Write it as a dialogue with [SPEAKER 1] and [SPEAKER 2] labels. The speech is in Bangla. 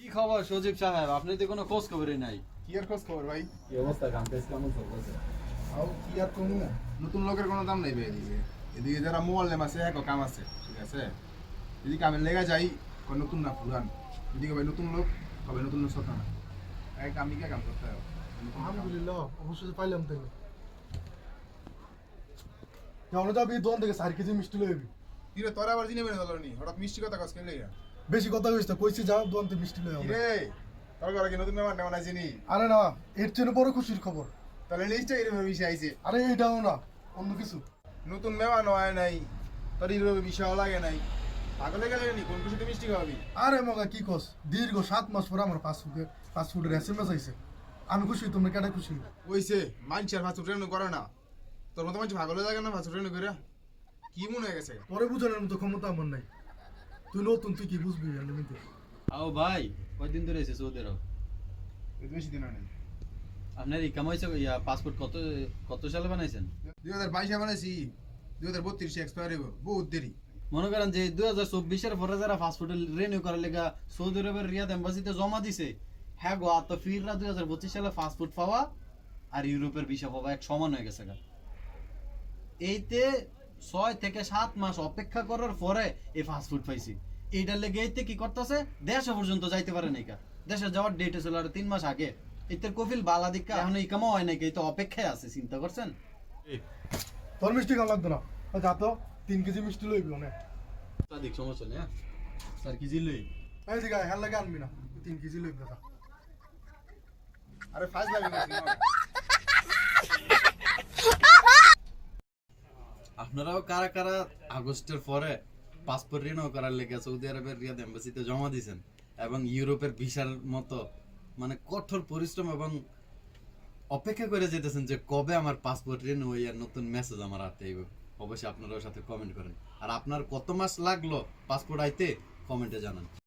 [SPEAKER 1] কি খবর সজীব সাহেব, আপনি তো কোনো খোঁজ খবরই নাই।
[SPEAKER 2] কি আর খোঁজ খবর ভাই?
[SPEAKER 1] কি অবস্থা, কাম কাজ কেমন চলতেছে?
[SPEAKER 2] আও কি আর কমু, নতুন লোকের কোনো দাম নাই ভাই। এদিকে যারা মোয়াল্লেম আছে এক কাম আছে, ঠিক আছে। যদি কামের লেগে যাই কয় নতুন না পুরান, যদি কবে নতুন লোক কবে নতুন লোক সত্য না, এক আমি কে কাম করতে হবে।
[SPEAKER 3] আলহামদুলিল্লাহ, অবশ্যই পাইলাম তাইলে। কেমন যাবি? দোকান থেকে 4 কেজি মিষ্টি লই আবি।
[SPEAKER 2] কি রে তোরা আবার জিনে মেনে দলনি, হঠাৎ মিষ্টি কথা কাজ কেলে?
[SPEAKER 3] বেশি কথা কইছ না, কইছি যাও দোকান থেকে মিষ্টি লই
[SPEAKER 2] কি
[SPEAKER 3] আবি।
[SPEAKER 2] রে তোর ঘরে কি নতুন মেহমান নেওয়া নাই চিনি?
[SPEAKER 3] আরে না, এর চেয়ে বড় খুশির খবর।
[SPEAKER 2] তাহলে নিশ্চয়ই এরকম বিষয় আইছে।
[SPEAKER 3] আরে এইটাও না, অন্য কিছু।
[SPEAKER 2] নতুন মেহমান হয় নাই, তোর এরকম বিষয় লাগে নাই, পাগলে গেলে নি কোন খুশিতে মিষ্টি খাওয়াবি?
[SPEAKER 3] আরে মগা কি কস, দীর্ঘ 7 মাস পর আমার পাসপোর্টের এসএমএস আইছে। আমি খুশি, তোমরা কেটে খুশি?
[SPEAKER 2] ওইছে মানুষের ফাঁসু ট্রেন করে না, তোর মতো মানুষ পাগলে লাগে না ফাঁসু ট্রেন করে? কি মনে হয়ে গেছে?
[SPEAKER 3] তোরে বুঝানোর মতো ক্ষমতা আমার নাই। তুই নতুন, তুই কি বুঝবি? এমনিতে
[SPEAKER 1] আও ভাই, কয়দিন ধরে এসে সৌদি আরব?
[SPEAKER 2] বেশি দিন হয় নাই।
[SPEAKER 1] আপনার ইকাম হয়েছে, পাসপোর্ট কত কত সালে বানাইছেন?
[SPEAKER 2] 2022 বানাইছি, 2032 এক্সপায়ার হইব, বহুত দেরি।
[SPEAKER 1] মনে করেন যে 2024-এর পরে যারা পাসপোর্ট রিনিউ করার লেগা সৌদি আরবের রিয়াদ এম্বাসিতে জমা দিছে, হ্যাঁ গো তো ফিররা 2025 সালে পাসপোর্ট পাওয়া আর ইউরোপের ভিসা পাওয়া এক সমান হয়ে গেছে গা। এইতে 6 থেকে 7 মাস অপেক্ষা করার পরে এই পাসপোর্ট পাইছি। এইটার লেগে এইতে কি করতেছে, দেশে পর্যন্ত যাইতে পারে নাই কা। দেশে যাওয়ার ডেট ছিল আর 3 মাস আগে। এতে কফিল বালা দিকা এখন ইকামও হয় নাকি, এই তো অপেক্ষায় আছে, চিন্তা করছেন?
[SPEAKER 3] তোর মিষ্টি খাওয়া লাগতো না, যা তো 3 কেজি মিষ্টি লইবি অনেক।
[SPEAKER 1] সাদিক সমস্যা নেই, হ্যাঁ স্যার কি জিলই
[SPEAKER 3] এই দিকে হ্যাঁ লাগে আনবি না, 3 কেজি লইবি দাদা।
[SPEAKER 2] আরে ফাজ লাগে না।
[SPEAKER 1] আপনারাও কারা কারা আগস্টের পরে পাসপোর্ট রিনিউ করার লেগে সৌদি আরবের রিয়াদ এম্বাসিতে জমা দিয়েছেন এবং ইউরোপের ভিসার মতো মানে কঠোর পরিশ্রম এবং অপেক্ষা করে যেতেছেন যে কবে আমার পাসপোর্ট রিনিউ হই আর নতুন মেসেজ আমার হাতে আইব? অবশ্যই আপনারা ওর সাথে কমেন্ট করেন। আর আপনার কত মাস লাগলো পাসপোর্ট আইতে কমেন্টে জানান।